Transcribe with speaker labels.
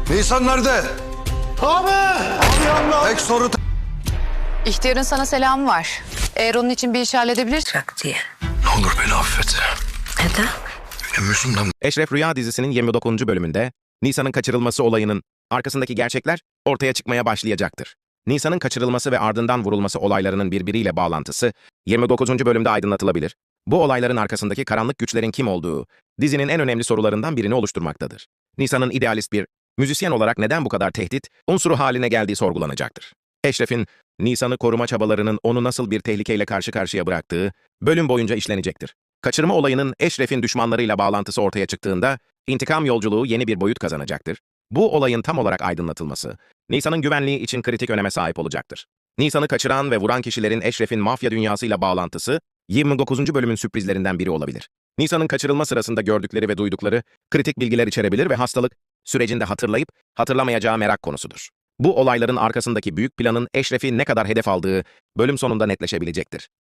Speaker 1: Nisan nerede?
Speaker 2: Abi! Abi yandı.
Speaker 1: Tek soru
Speaker 3: İhtiyarın sana selamı var. Eğer onun için bir iş halledebilirsin.
Speaker 4: Bırak diye.
Speaker 1: Ne olur beni affet.
Speaker 4: Neden?
Speaker 1: Benim yüzümden
Speaker 5: Eşref Rüya dizisinin 29. bölümünde Nisan'ın kaçırılması olayının arkasındaki gerçekler ortaya çıkmaya başlayacaktır. Nisan'ın kaçırılması ve ardından vurulması olaylarının birbiriyle bağlantısı 29. bölümde aydınlatılabilir. Bu olayların arkasındaki karanlık güçlerin kim olduğu dizinin en önemli sorularından birini oluşturmaktadır. Nisan'ın idealist bir müzisyen olarak neden bu kadar tehdit unsuru haline geldiği sorgulanacaktır. Eşref'in Nisan'ı koruma çabalarının onu nasıl bir tehlikeyle karşı karşıya bıraktığı bölüm boyunca işlenecektir. Kaçırma olayının Eşref'in düşmanlarıyla bağlantısı ortaya çıktığında intikam yolculuğu yeni bir boyut kazanacaktır. Bu olayın tam olarak aydınlatılması, Nisan'ın güvenliği için kritik öneme sahip olacaktır. Nisan'ı kaçıran ve vuran kişilerin Eşref'in mafya dünyasıyla bağlantısı 29. bölümün sürprizlerinden biri olabilir. Nisan'ın kaçırılma sırasında gördükleri ve duydukları kritik bilgiler içerebilir ve hastalık sürecinde hatırlayıp hatırlamayacağı merak konusudur. Bu olayların arkasındaki büyük planın Eşref'i ne kadar hedef aldığı bölüm sonunda netleşebilecektir.